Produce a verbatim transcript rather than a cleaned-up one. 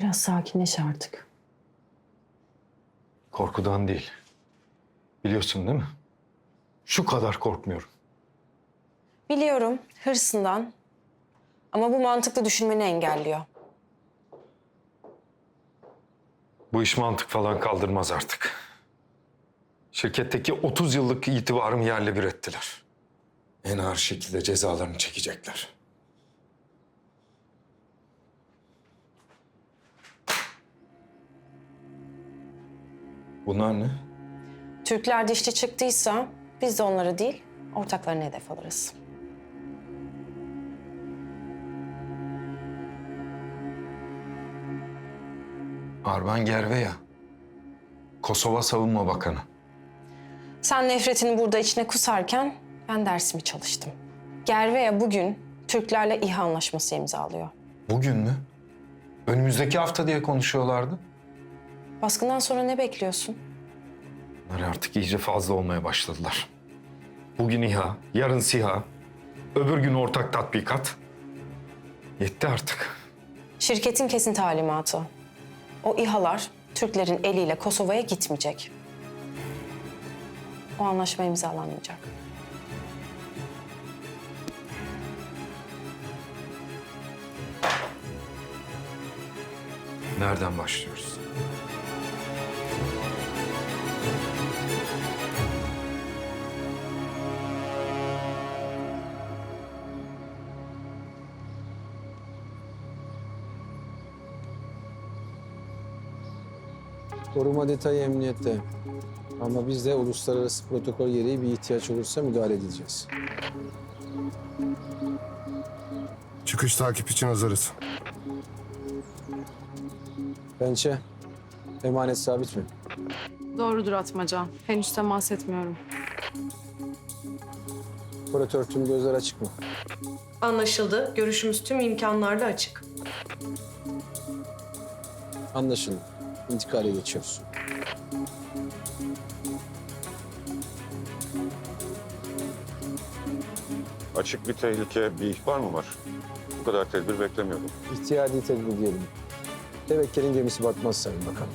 Biraz sakinleş artık. Korkudan değil. Biliyorsun değil mi? Şu kadar korkmuyorum. Biliyorum hırsından ama bu mantıklı düşünmeni engelliyor. Bu iş mantık falan kaldırmaz artık. Şirketteki otuz yıllık itibarımı yerle bir ettiler. En ağır şekilde cezalarını çekecekler. Bunlar ne? Türkler dişli çıktıysa biz de onları değil ortaklarını hedef alırız. Arban Gerveya. Kosova Savunma Bakanı. Sen nefretini burada içine kusarken ben dersimi çalıştım. Gerveya bugün Türklerle İHA anlaşması imzalıyor. Bugün mü? Önümüzdeki hafta diye konuşuyorlardı. Baskından sonra ne bekliyorsun? Bunlar artık iyice fazla olmaya başladılar. Bugün İHA, yarın SİHA, öbür gün ortak tatbikat. Yetti artık. Şirketin kesin talimatı. O İHA'lar Türklerin eliyle Kosova'ya gitmeyecek. O anlaşma imzalanmayacak. Nereden başlıyoruz? Koruma detayı emniyette. Ama biz de uluslararası protokol gereği bir ihtiyaç olursa müdahale edeceğiz. Çıkış takip için hazırız. Pençe, emanet sabit mi? Doğrudur Atmaca. Henüz temas etmiyorum. Operatör tüm gözler açık mı? Anlaşıldı. Görüşümüz tüm imkanlarla açık. Anlaşıldı. İntikale geçiyoruz. Açık bir tehlike, bir ihbar mı var? Bu kadar tedbir beklemiyordum. İhtiyadi tedbir diyelim. Tevekkel'in gemisi batmaz sayın bakalım.